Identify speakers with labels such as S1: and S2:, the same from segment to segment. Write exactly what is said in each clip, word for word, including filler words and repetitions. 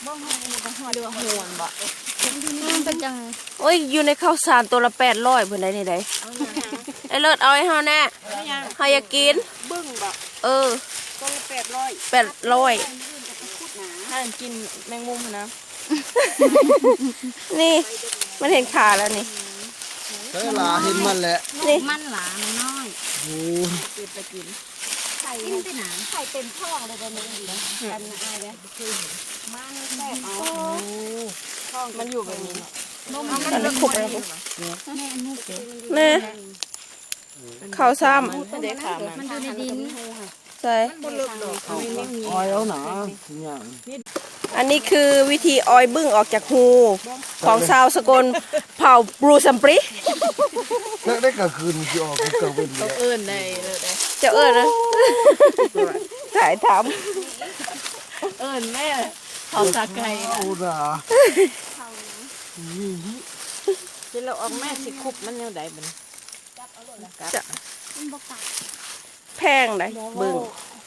S1: บ้องหอยเรือหวนบ่เป็นจัง
S2: โอ้ยอยู่ในข้าวสารตัวละแปดร้อยเพิ่นได้นี่ได้ไอ้เลิศเอาให้เฮาแน่เฮาอยากกิน
S1: บึ้งบ่
S2: เออ
S1: ตัวละแปดร้อย
S2: แปดร้อย
S1: ถ้ากินแมงมุมนะ
S2: นี่มันเห็นขาแล้วนี่
S3: เฮ้ยหลาเห็นมันแหละ
S2: นี่
S1: มันหลามันน้อย
S3: โอ้
S1: เก็บไปกินไข่กินไปหนาไข่เต็มท้องเลยตอนนี้ดีนะกันอายเลยมันแซ่บเอาท้องมันอยู่แบบนี้นมมันเลือกขุบเลยแม่นุ๊ก
S2: แน่ข้าวซ้ำ
S1: มันอยู่ในดิน
S2: ใช่
S3: ออยเอาหนาอย่าง
S2: อันนี้คือวิธีออยบึ้งออกจากหูของชาวสกลเผ่าบรูซัมปรี
S3: แล้วได้กลางคืนจะออกกลางวันเลย
S1: เอิญได้เลย
S2: จะเอิญนะถ่ายท
S1: ำเอิญแม่เผาตาไก่
S3: โอ้ด่า
S1: ที่เราออกแม่สิคุบมันยังได้มัน
S2: จะแพงได้บึ้ง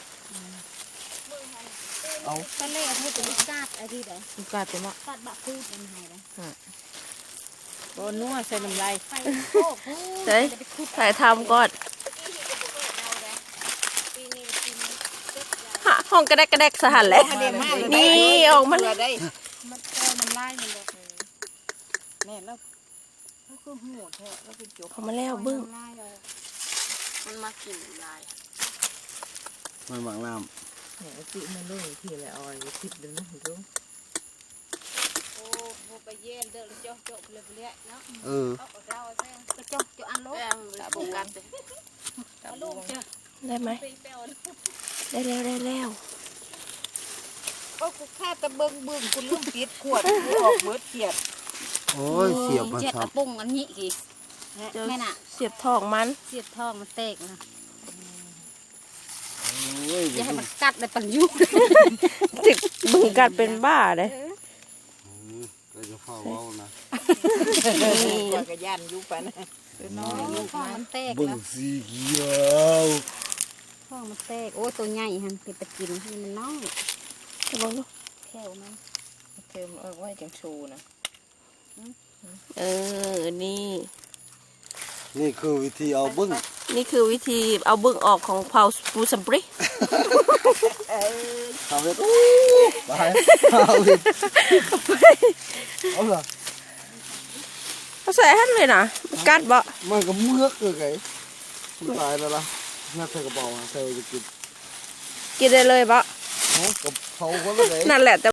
S1: เอาไปเล่ให้ตัวกาดไอ้ที่ไหนกาดตัวมั้งกาดบะพูดเป็นไงนะโอ้นัวใส่น้ำลาย
S2: ใช่ถ่ายทำก่อนห้องกระแดกกระแดกสหันแหละนี่ออกมา
S1: ได้มันแก้น้ำลายมันเลยแม่แล้วแล้วคือหัวแท้แล้วคือจบ
S2: ออกมาแล้วบึ้ง
S1: มันมากินลาย
S3: มันหมักน้
S1: ำเนี่ยจิมันเรื่องที่อะไรออยทิพย์เดินนะเห็นรู้โอ้โหไปเย็นเดินเจาะเจาะเลยไปเลยเนาะ
S3: เออ
S1: เราเส้นก็เจาะเจาะอันลูกตาบุกกันเลยลูกเจาะ
S2: ได้ไหมได้แล้วได้แล้ว
S1: ก็กูแค่ตะเบิงเบิงกูลุ่มติดขวดกูออกเบิดเขียด
S3: โอ้ยเสียบมัน
S1: ครับเจ็ดปุ่งอันนี้กี่แม่น่ะ
S2: เสียบทองมัน
S1: เสียบทองมันเตกนะอย่าให้มันกัดเลยปันยุบ
S2: ติดบึงกัดเป็นบ้าเลย
S3: ก็จะเฝ้าเอานะ
S1: กว่ากระยานยุบไปนะน้อยยุบมันเตก
S3: บึงสีเขียว
S1: ทองมันเตกโอ้ตัวใหญ่ฮันเป็นตะกินมันน้อย
S2: จะลองดู
S1: แค่นั้นเติมเอาไว้จังชูนะ
S2: เออนี่
S3: นี่คือวิธีเอาบึ้ง
S2: นี่คือวิธีเอาบึ้งออกของเผาปูซัมปรี
S3: เอาเลยไปเอาเลยเอาเหรอ
S2: เขาใส่ให้เลยนะกัดบ่
S3: มันก็เมือกเลยไงตายแล้วล่ะน่าใส่กระเป๋าใส่จะกิน
S2: กินได้เลยบ่
S3: กับเขาก็เลย
S2: นั่นแหละ